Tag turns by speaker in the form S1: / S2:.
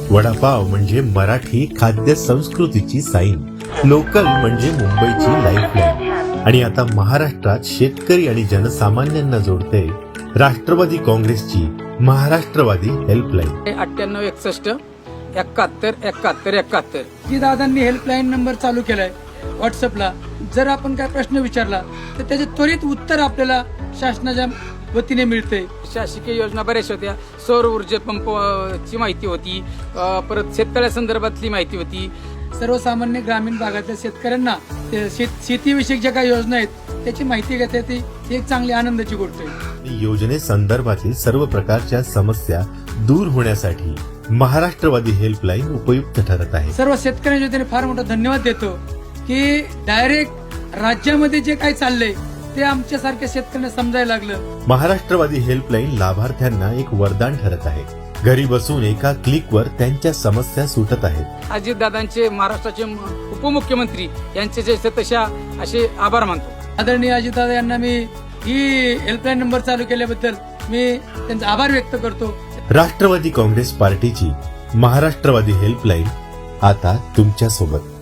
S1: वडापाव म्हणजे मराठी खाद्य संस्कृतीची साईन, लोकल म्हणजे मुंबईची लाईफलाईन आणि आता महाराष्ट्रात शेतकरी आणि जनसामान्यांना जोडते राष्ट्रवादी काँग्रेसची महाराष्ट्रवादी हेल्पलाईन.
S2: 9861717171
S3: जी दादांनी हेल्पलाईन नंबर चालू केलाय व्हॉट्सअपला. जर आपण काय प्रश्न विचारला तर त्याचे त्वरित उत्तर आपल्याला शासनाच्या वतीने मिळते.
S2: शासकीय योजना बऱ्याचशा होत्या. सौर ऊर्जा पंपची माहिती होती, परत शेतकऱ्या संदर्भातली माहिती होती.
S3: सर्वसामान्य ग्रामीण भागातल्या शेतकऱ्यांना शेतीविषयक ज्या काही योजना आहेत त्याची माहिती घेता ती एक चांगली आनंदाची गोष्ट आहे.
S1: योजनेसंदर्भातील सर्व प्रकारच्या समस्या दूर होण्यासाठी महाराष्ट्रवादी हेल्पलाईन उपयुक्त ठरत आहे.
S3: सर्व शेतकऱ्यांच्या वतीने फार मोठा धन्यवाद देतो की डायरेक्ट राज्यामध्ये जे काही चाललंय ते आमच्यासारख्या शेतकऱ्यांना समजायला लागलं.
S1: महाराष्ट्रवादी हेल्पलाईन लाभार्थ्यांना एक वरदान ठरत आहे. घरी बसून एका क्लिकवर त्यांच्या समस्या सुटत आहेत.
S2: अजितदादांचे, महाराष्ट्राचे उपमुख्यमंत्री यांचे जे तशा असे आभार मानतो.
S3: आदरणीय अजितदादा यांना मी ही हेल्पलाईन नंबर चालू केल्याबद्दल मी त्यांचा आभार व्यक्त करतो.
S1: राष्ट्रवादी काँग्रेस पार्टीची महाराष्ट्रवादी हेल्पलाईन आता तुमच्या सोबत.